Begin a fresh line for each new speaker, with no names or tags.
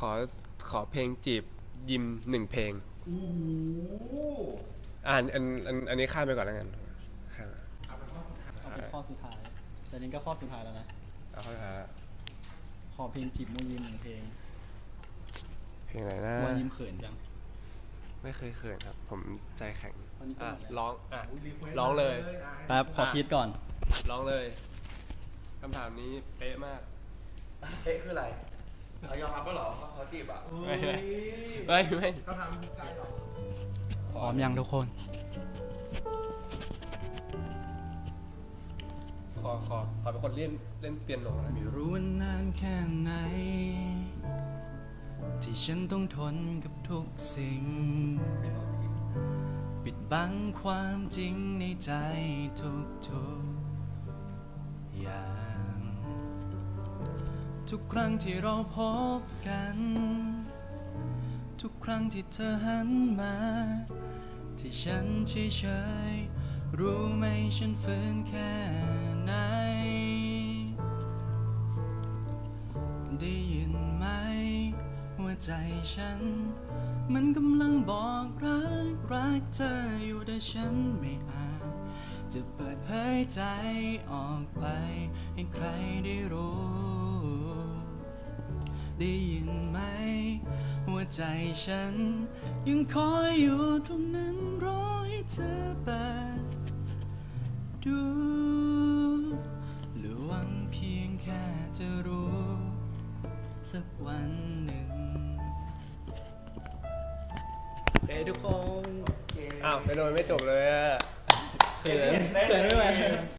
ขอเพลงจีบยิม1 เพลง
โอ้โห
อันนี้ข้ามไปก่อนแล้วกันข้าม
เอาเป็นข้อสุดท้าย
เอาเป็นข้อสุดท้ายแต่นี้ก็ข้อสุดท้ายแล้วนะ
เอาเข้าท้าย
ขอเพลงจีบมูยิม1 เพลง
เพลงอะไรนะ
มูยิมเขินจัง
ไม่เคยเขินครับผมใจแข็ง
ร้อง
ร้องเลย
แป๊บขอคิดก่อน
ร้องเลยคำถามนี้เป๊ะมาก
เอ๊ะคืออะไรเรายอมรับก็หรอเขาจีบอ่ะ
ไม่
เขาทำใจหรอ
พร้อมยังทุกคน
ขอเป็นคนเล่นเปียโนนะ
ไม่รู้ว่านานแค่ไหนที่ฉันต้องทนกับทุกสิ่งปิดบังความจริงในใจทุกอย่างทุกครั้งที่เราพบกันทุกครั้งที่เธอหันมาที่ฉันเฉยๆรู้ไหมฉันฝืนแค่ไหนได้ยินไหมหัวใจฉันมันกำลังบอกรักเธออยู่แต่ฉันไม่อาจจะเปิดเผยใจออกไปให้ใครได้รู้ได้ยินไหมหัวใจฉันยังคอยอยู่ตรงนั้นรอให้เธอเปิดดูหรือหวังเพียงแค่จะรู้สักวันหนึ่งทุกคน
อ้าวไปโดนไม่จบเลยอะ
เขินไม่ไหว